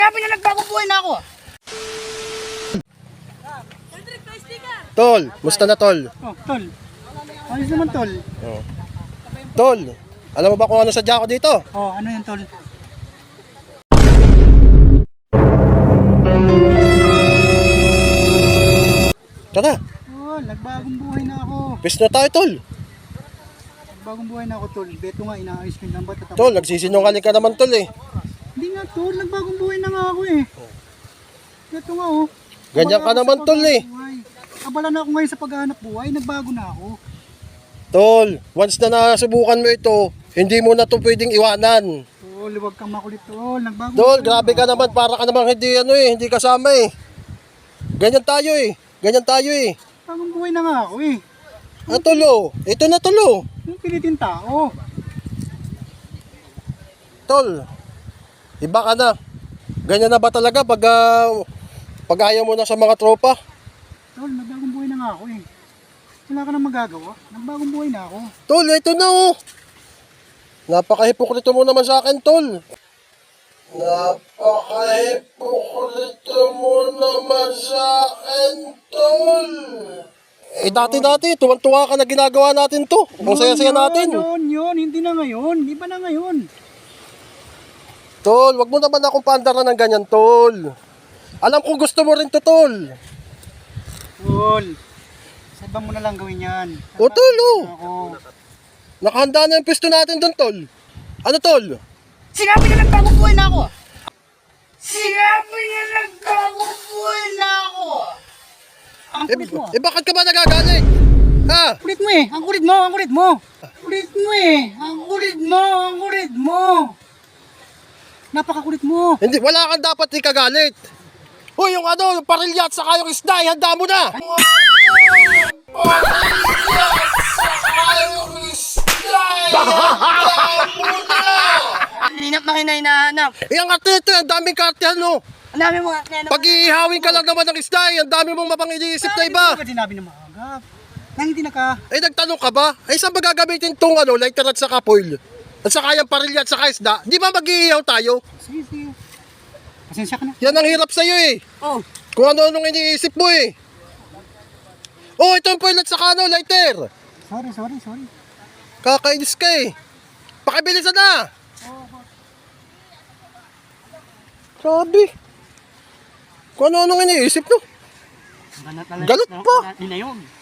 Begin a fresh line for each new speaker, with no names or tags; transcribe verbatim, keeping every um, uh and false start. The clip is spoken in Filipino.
Sabi niya nagbagong buhay na ako.
Tol, musta na tol?
Oh, tol. Ayos naman tol.
Oh. Tol, alam mo ba kung ano sadya ko dito?
Oh, ano yun tol?
Tara,
Oh, nagbagong buhay na ako.
pwes na tayo tol.
Nagbagong buhay na ako tol. Beto nga, inaayos ko yung lambat. at ako-
Tol, nagsisinungaling ka naman tol eh.
Hindi nga tol, nagbagong buhay na nga ako eh. Beto nga oh.
Ganyan ka
Abala ako
naman
sa
tol eh.
paghahanap buhay. Abala na ako ngayon sa paghahanap buhay, nagbago na ako.
Tol, once na nasubukan mo ito, hindi mo na ito pwedeng iwanan.
Tol, huwag kang makulit tol. Nagbagong
Tol,
buhay
grabe
na
ka
ako.
naman, para ka namang hindi ano eh, hindi kasama eh. Ganyan tayo eh, ganyan tayo eh.
Bagong buhay na nga ako eh.
Ah, tulo, ito na tulo.
Yung pilitin tao.
Tol, iba ka na. Ganyan na ba talaga pag, ah, pag ayaw mo na sa mga tropa?
Tol, nagbagong buhay na nga ako eh. Wala ka nang magagawa. Nagbagong buhay na ako.
Tol, ito na oh. Napaka-hipokrito mo naman sa akin, tol. Napaka-hipokrito mo naman sa akin, tol. Eh dati-dati, tuwan-tuwa ka na ginagawa natin to. Kung saya-saya natin.
Yun, yun, hindi na ngayon. Di ba na ngayon?
Tol, wag mo naman akong pandaran ng ganyan, tol. Alam kong gusto mo rin to, tol.
Tol, sa iba mo na lang gawin yan.
O, tol, oh.
Ako.
Nakahanda na yung pisto natin doon, tol. Ano, tol?
Sinabi niya nagbagong buhay na ako. Sinabi niya nagbagong buhay na ako. Ang
Eh,
kulit mo.
eh bakit ka ba nagagalit? Ha?
Kulit mo eh. Ang kulit mo, ang kulit mo. Kulit mo eh. Ang kulit mo, ang kulit mo. Napakakulit mo.
Hindi, wala kang dapat ikagalit. Hoy, yung ano, yung parilya at saka yung isda, handa mo na.
Linap na kinahinahanap.
Eh, ang arte ito, ang daming karte, ano.
Ang dami mo nga.
Pag iihawin ka lang naman ng isda, eh, ang dami mong mapang iniisip na iba.
Bakit sinabi na maagap? Nang hindi na ka.
Eh, nagtanong ka ba? Eh, saan ba gagamitin tong ano, lighter at saka foil? At saka yung parilya at saka isda? Di ba mag-iihaw tayo?
Sige, sige. Pasensya ka na.
Yan ang hirap sa'yo eh.
Oh.
Kung ano-anong iniisip mo eh. Oh, ito yung foil at saka ano, lighter.
Sorry, sorry, sorry.
Kakainis ka eh. Pakibilisan na. Grabe. Kung ano-anong iniisip no.
Ganat na lang.
Galit pa.
Ina yun.